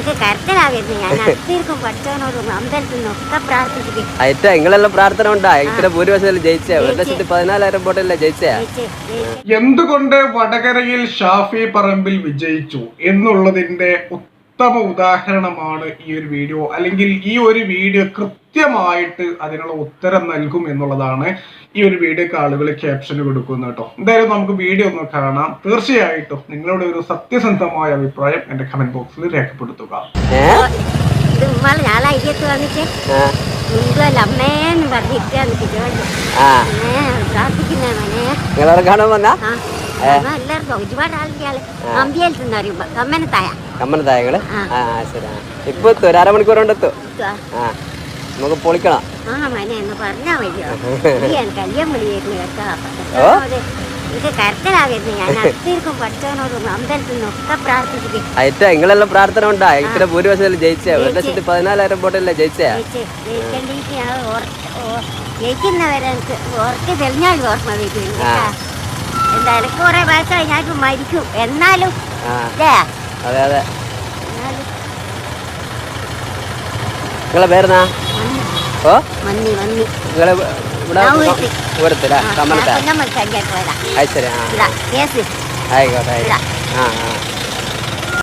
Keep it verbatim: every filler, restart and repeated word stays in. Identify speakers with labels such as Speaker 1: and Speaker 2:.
Speaker 1: എനിക്ക് കരച്ചിലാകരുത്. ഞാൻ അത്തിരിക്കും പഠിച്ചവനോടും അമ്പലത്തിൽ നിന്നൊക്കെ പ്രാർത്ഥിച്ചിട്ട്
Speaker 2: അയറ്റ നിങ്ങളെല്ലാം പ്രാർത്ഥന ഉണ്ടാ ഇത്ര ഭൂരിപക്ഷത്തിൽ ജയിച്ചേ ഒരു ലക്ഷത്തി പതിനാലായിരം വോട്ടല്ലേ ജയിച്ചേ.
Speaker 3: എന്തുകൊണ്ട് വടകരയിൽ ഷാഫി പറമ്പിൽ വിജയിച്ചു എന്നുള്ളതിന്റെ ഉത്തമ ഉദാഹരണമാണ് ഈ ഒരു വീഡിയോ. അല്ലെങ്കിൽ ഈ ഒരു വീഡിയോ കൃത്യമായിട്ട് അതിനുള്ള ഉത്തരം നൽകും എന്നുള്ളതാണ് ഈ ഒരു വീഡിയോക്ക് ആളുകൾ ക്യാപ്ഷന് കൊടുക്കുന്നത് കേട്ടോ. എന്തായാലും നമുക്ക് വീഡിയോ ഒന്ന് കാണാം. തീർച്ചയായിട്ടും നിങ്ങളുടെ ഒരു സത്യസന്ധമായ അഭിപ്രായം എന്റെ കമന്റ് ബോക്സിൽ രേഖപ്പെടുത്തുക.
Speaker 1: അമ്മേന്ന് പറഞ്ഞിട്ടാണ് പ്രാർത്ഥിക്കുന്ന മനെ
Speaker 2: കാണാൻ വന്നാ
Speaker 1: എല്ലാവർക്കും ഒരുപാട് ആൾക്കാര് അമ്പിയൽത്ത് എന്ന് പറയുമ്പോ കമ്മനത്തായ
Speaker 2: കമ്മനത്തായകള് ശരി. ഇപ്പൊ എത്തും ഒരു അരമണിക്കൂർ കൊണ്ട് എത്തും. ആ നമുക്ക് പൊളിക്കണം.
Speaker 1: ആ മനെ എന്ന് പറഞ്ഞാ മതിയോ കല്യാൺ വിളിയായിരുന്നു കേട്ടോ. ഇത് കരച്ചിലാകരുത്. ഞാൻ അത്തിരിക്കും പഠിച്ചവനോടും അമ്പലത്തിൽ നിന്നൊക്കെ പ്രാർത്ഥിച്ചിട്ട്
Speaker 2: അയറ്റ നിങ്ങളെല്ലാം പ്രാർത്ഥന ഉണ്ടാ ഇത്ര ഭൂരിപക്ഷത്തിൽ ജയിച്ചേ ഒരു ലക്ഷത്തി പതിനാലായിരം വോട്ടല്ലേ ജയിച്ചേ.
Speaker 1: ജയിക്കേണ്ടിട്ട് ഞാൻ ജയിക്കുന്നവരെ എനിക്ക് ഓർക്ക് തെളിഞ്ഞാൽ ഓർമ്മ വയ്ക്കും. എന്തായാലും കുറെ വയസ്സായി ഞാൻ മരിക്കും എന്നാലും
Speaker 2: അതെ അതെ. നിങ്ങളെ പേരെന്നാ? ഓ
Speaker 1: മന്നി മന്നി
Speaker 2: നിങ്ങളെ ദൂരത്തില്ല കമ്മനത്തായ.
Speaker 1: നമ്മൾ
Speaker 2: അത് ശരി. ആ ആയിക്കോട്ടെ. ആ ആ